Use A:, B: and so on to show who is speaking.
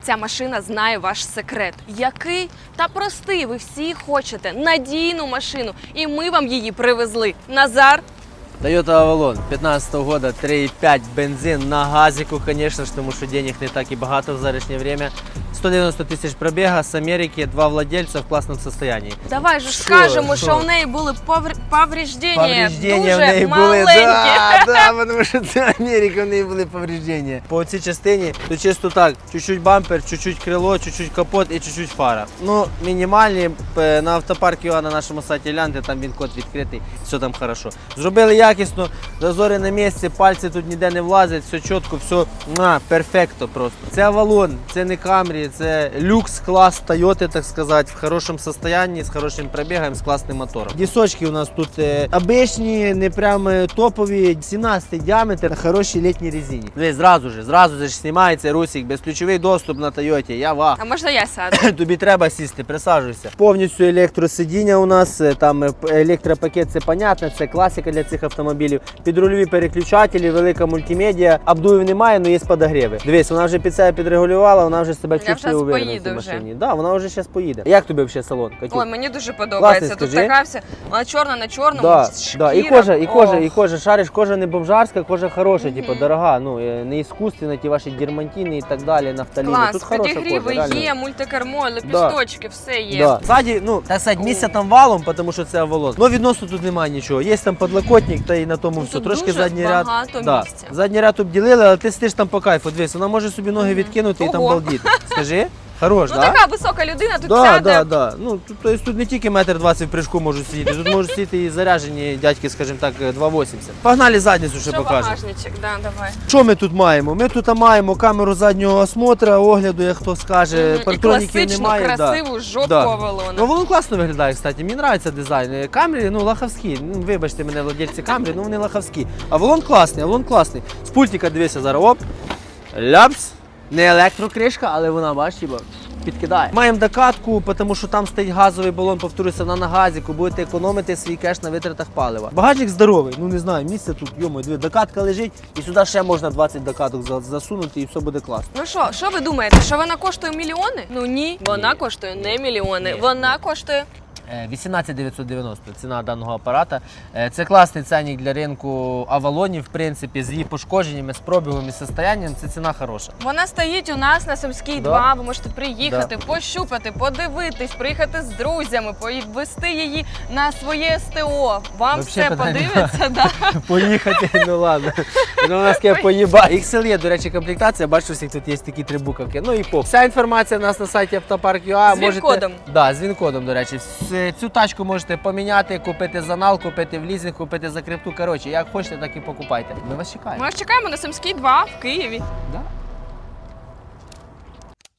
A: ця машина знає ваш секрет. Який? Та простий, ви всі хочете надійну машину. І ми вам її привезли. Назар.
B: Toyota Avalon 15 года, 3,5 бензин на газику, конечно ж, тому що денег не так і багато в зараз время. 190 тисяч пробіга з Америки, 2 владельця в класному состоянии.
A: Давай же скажемо, що в неї були повреждення дуже
B: в неї
A: маленькі.
B: да, тому що це Америка, в неї були повреждення. По цій частині, то чисто так, чуть-чуть бампер, чуть-чуть крило, чуть-чуть капот і чуть-чуть фара. Ну, мінімальні, на автопарк ЮА на нашому сайті гляньте, там він код відкритий, все там хорошо. Зробили якісно, зазори на місці, пальці тут ніде не влазять, все чітко, все перфекто просто. Це Avalon, це не Camry, це люкс клас Toyota, так сказати, в хорошому стані, з хорошим пробігом, з класним мотором. Дісочки у нас тут обичні, не прям топові, 17 діаметр на хорошій літній резині. Дивись, зразу же знімається русик, безключовий доступ на Toyota, я ва.
A: А можна я сяду?
B: Тобі треба сісти, присаджуйся. Повністю електросидіння у нас, там електропакет, це понятно, це класика для цих автомобілів. Підрульові переключателі, велика мультимедіа, обдувів немає, але є подогріви. Дивись, вона вже під себе підрегулювала, вона вже себе чувствує уверенно в цій машині. Да, вона вже зараз поїде. Як тобі взагалі салон?
A: Ой, мені дуже подобається.
B: Класний,
A: Тут така вся, вона чорна на чорному,
B: да,
A: шкіра.
B: і кожа, шариш, кожа не бомжарська, кожа хороша, типу, дорога, ну, не іскусственна, ті ваші дермантини і так далі, нафталіни.
A: Клас,
B: тут хороша
A: підігріви
B: кожа,
A: є, мультикермо, лепісточки, все є.
B: Да. Ззаді, ну, так сказати, місця там валом, тому що це Avalon. Ну, відносно тут немає нічого. Є там подлокотник, та і на тому все.
A: Тут
B: Трошки
A: дуже
B: задній ряд.
A: багато
B: Да.
A: місця.
B: Задній ряд обділили, але ти сидиш там по кайфу. Дивись, вона може собі ноги відкинути і там
A: Ого.
B: балдіти. Скажи? Хорош,
A: Ну
B: да?
A: така висока людина тут
B: Да,
A: сяде.
B: да, да. Ну, тут не тільки 1,20 м в прыжку можуть сидіти, тут можуть сидіти і заряджені дядьки, скажімо так, 2,80. Погнали задницю, ще
A: Що
B: покажемо.
A: багажничок, да, давай.
B: Що ми тут маємо? Ми тут маємо камеру заднього осмотра, огляду, як хто скаже,
A: І
B: партроніків
A: класичну,
B: немає.
A: красиву, жовтку
B: Да.
A: Avalon.
B: Ну, воно класно виглядає, кстати, мені подобається дизайн. Камрі, ну, лахавські. Ну, вибачте мене, владельці Камрі, ну вони лахавські. Avalon класний, Avalon класний. З пультика дивися зараз, оп, ляпс. Не електрокришка, але вона, бачиш, підкидає. Маємо докатку, тому що там стоїть газовий балон, повторюся, вона на газіку, будете економити свій кеш на витратах палива. Багажник здоровий, ну не знаю, місце тут, йомо, диви, докатка лежить, і сюди ще можна 20 докаток засунути, і все буде класно.
A: Ну що ви думаєте, що вона коштує мільйони? Ну ні, вона коштує не мільйони, вона коштує
B: 18 990 ціна даного апарата. Це класний ценник для ринку Авалонів, в принципі, з її пошкодженнями, з пробігом і состоянням, це ціна хороша.
A: Вона стоїть у нас на Сумській 2, ви можете приїхати, пощупати, подивитись, приїхати з друзями, повести її на своє СТО. Вам
B: Вообще
A: все
B: питань
A: подивиться, да.
B: Поїхати, ну ладно. Ну, у нас таке поїба. XL, до речі, комплектація, бачу, всіх тут є такі три буковки. Ну і поп. Вся інформація у нас на сайті Автопарк.ua.
A: З він-кодом.
B: Да, з він-кодом, до речі. Цю тачку можете поміняти, купити за нал, купити в лізинг, купити за крипту. Коротше, як хочете, так і покупайте. Ми вас чекаємо.
A: Ми вас чекаємо на Сумській 2 в Києві.
B: Да.